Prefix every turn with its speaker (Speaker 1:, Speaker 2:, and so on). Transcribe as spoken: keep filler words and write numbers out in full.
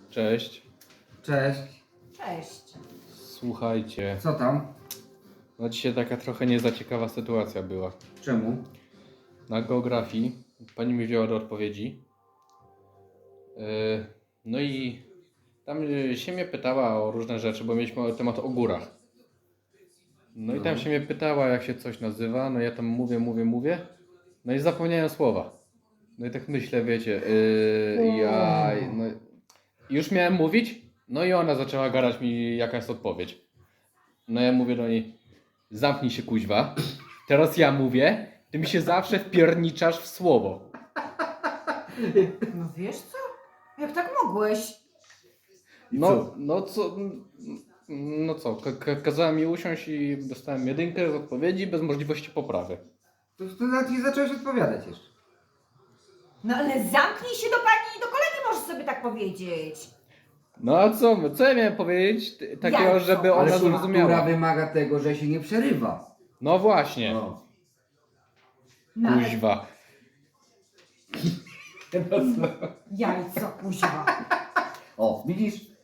Speaker 1: Cześć.
Speaker 2: Cześć.
Speaker 3: Cześć.
Speaker 1: Słuchajcie,
Speaker 2: Co tam?
Speaker 1: no dzisiaj taka trochę niezaciekawa sytuacja była.
Speaker 2: Czemu?
Speaker 1: Na geografii pani mi wzięła do odpowiedzi. Yy, No i tam yy, się mnie pytała o różne rzeczy, bo mieliśmy temat o górach. No i tam
Speaker 2: No.
Speaker 1: się mnie pytała, jak się coś nazywa. No ja tam mówię, mówię, mówię. No i zapomniałem słowa. No i tak myślę, wiecie, yy, ja no, już miałem mówić, no i ona zaczęła gadać mi, jaka jest odpowiedź. No ja mówię do niej, zamknij się kuźwa. Teraz ja mówię, ty mi się zawsze wpierniczasz w słowo.
Speaker 3: No wiesz co? Jak tak mogłeś?
Speaker 1: No,
Speaker 2: co?
Speaker 1: no co, no co, ka- ka- kazała mi usiąść i dostałem jedynkę z odpowiedzi bez możliwości poprawy.
Speaker 2: To, to nawet nie zacząłeś odpowiadać jeszcze.
Speaker 3: No ale zamknij się do pani i do kolegi możesz sobie tak powiedzieć.
Speaker 1: No a co, co ja miałem powiedzieć t- takiego,
Speaker 3: Jajco.
Speaker 1: żeby
Speaker 2: Ale
Speaker 1: ona
Speaker 2: kultura
Speaker 1: zrozumiała?
Speaker 2: wymaga tego, że się nie przerywa.
Speaker 1: No właśnie,
Speaker 2: No.
Speaker 3: No ale
Speaker 1: kuźwa.
Speaker 3: jajco, kuźwa.
Speaker 2: O, widzisz?